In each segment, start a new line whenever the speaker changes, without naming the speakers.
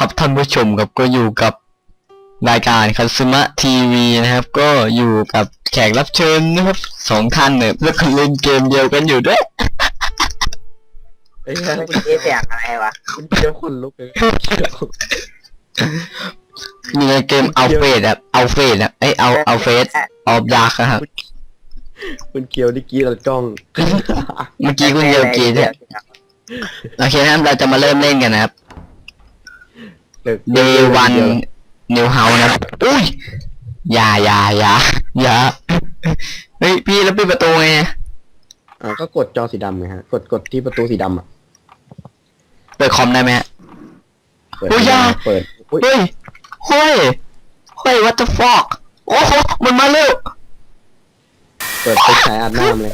ครับท่านผู้ชมครับก็อยู่กับรายการคัตสึมะทีวีนะครับก็อยู่กับแขกรับเชิญนะครับ2 ท่านเนี่ยแล้วก็เล่นเกมเดียวกันอยู่ด้วย
ไอ้เหี้ย
คุณเจ๊เสียงอะไรวะ
คุณเคี้ยวคนลุกเลยเคี้ยว
อยู่ในเกมเอาเฟสครับเอาเฟสเอาเฟสออฟดาร์กครับ
คุณเคี้ยวดิกี้เราจ้อง
เมื่อกี้คุณเดียวกีเนี่ยโอเคนะครับเราจะมาเริ่มเล่นกันนะครับ Day 1 New House นะครับอุ้ยอย่าเฮ้ยพี่แล้วปิดประตูไง
ก็กดจอสีดำไงฮะกดที่ประตูสีดำอ่ะ
เปิดคอมได้ไหมฮะ
เปิด
โอ้ยอย่า
เปิดอุ๊ย
เฮ้ย what the fuck โอ้โหมันมาเร็ว
เปิดไปฉายอาบน้ำเลย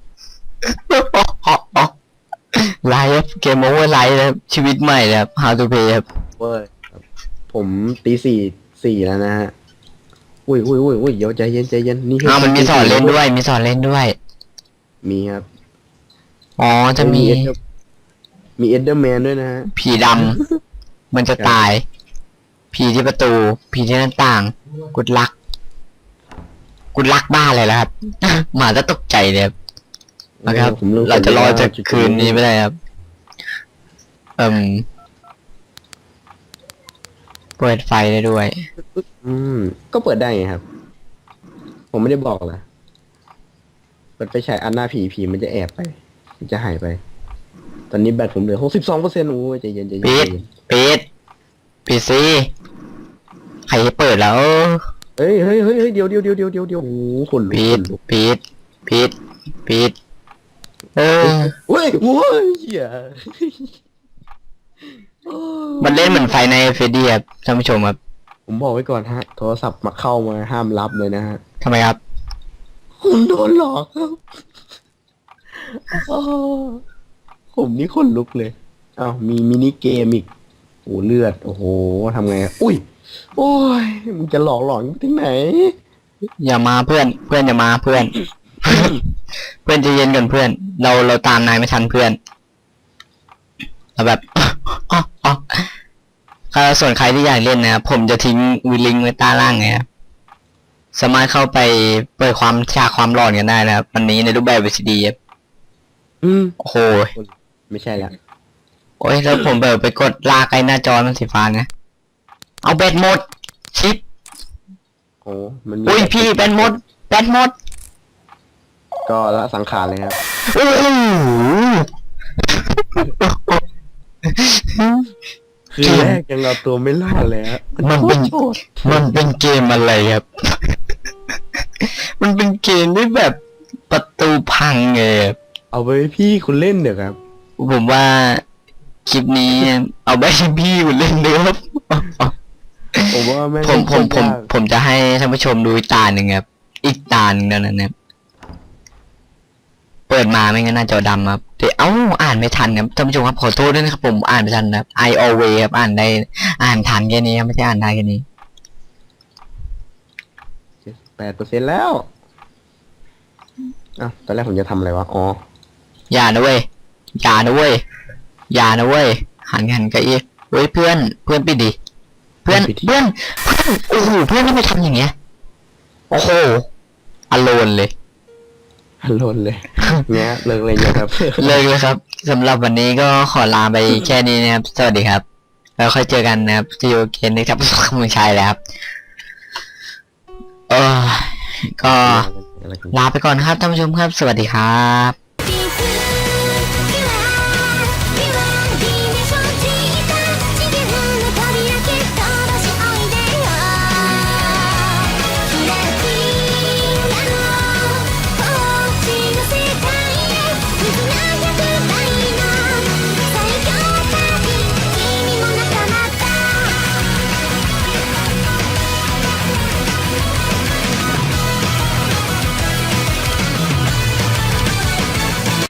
ไลฟ์เกมโอเวอร์ไลฟ์นะครับชีวิตใหม่นะครับ How to Play ครับ
เว้ยผมตีสี่แล้วนะฮะอุ้ยเดี๋ยวใจเย็นนี่
มันมีสอนเล่นด้วยมี
มีครับ
อ๋อจะมี
มีเอเดอร์แมนด้วยนะฮะ
ผีดำมันจะตาย ผีที่ประตู ผีที่หน้าต่าง กุดลักบ้าเลยแล้วครับ หมาจะตกใจเลยครับนะครับ เราจะรอจากคืนนี้ไม่ได้ครับเปิดไฟได้ด้วย
ก็เปิดได้ไงครับ ผมไม่ได้บอกนะเปิดไปฉายอันหน้าผีมันจะแอบไปมันจะหายไป ตอนนี้แบตผมเหลือ62%โอ้ยใจเย็น
ปิดสิใครเปิดแล้ว
เฮ้ยเดี๋ยวโอ้โหคนลุก
ปิด
เว้ยเหี้ย
มันเล่นเหมือนไฟในเฟรดี้ครับท่านผู้ชมครับ
ผมบอกไว้ก่อนฮะโทรศัพท์มาเข้ามาห้ามรับเลยนะฮะ
ทำไมครับ
คุณโดนหลอกครับผมนี่คนลุกเลยอ้าวมีมินิเกมอีกโอ้เลือดโอ้โหทำไงอุ้ยโอ้ยมึงจะหลอกไปถึงไหน
อย่ามาเพื่อนอย่ามาเพื่อน เพื่อนใจะเย็นกันเพื่อนเราตามนายไม่ทันเพื่อนเราแบบ ส่วนใครที่อยากเล่นนะครับผมจะทิ้งลิงก์ไว้ใต้ล่างไงครับสามารถเข้าไปเปิดความหลอนกันได้นะครับวันนี้ในรูปแบบ VCD ครับโอ้โห
ไม่ใช่ละ
โอ้ยแล้วผมไปกดลากไอ้หน้าจอมันสีฟ้านะเอาแบตหมดชิป
โอ้มันมี
อุ้ยพี่แบตหมด
ก็ละสังขารเลยครับ
โอ้โห
คือแรกยังเอาตัวไม่รอดเลยฮะ
มันเป็นเกมอะไรครับ มันเป็นเกมที่แบบประตูพังไงครับ
เอาไปพี่คุณเล่นเดี๋ยวครับ
ผมว่าคลิปนี้เอาไปให้พี่คุณเล่นด้วยครับ
ผมว่าแม่ง
ผมจะให้ท่านผู้ชมดูอีกตาหนึ่งครับอีกตาหนึ่งนั่นนะครับเปิดมาไม่งั้นหน้าจอดำครับเดี๋ยวอ่านไม่ทันครับท่านผู้ชมครับขอโทษด้วยนะครับผมอ่านไม่ทันครับ I always ครับอ่านทันแค่นี้ครับไม่ใช่อ่านได้แค่นี้
8%แล้วอ้าวตอนแรกผมจะทำอะไรวะอ๋อ
อย่านะเว้ยหันกันอีเฮ้ยเพื่อนปิดดิเพื่อนโอ้โหเพื่อนทำไมทำอย่างเงี้ยโอ้โหอโลนเลย
หล่นเลยเนี้ยเลิกเลยนะครับ
เลิกเลยครับสำหรับวันนี้ก็ขอลาไปแค่นี้นะครับสวัสดีครับแล้วค่อยเจอกันนะครับที่โอเคนะครับขอบคุณชายแล้วครับก็ลาไปก่อนครับท่านผู้ชมครับสวัสดีครับ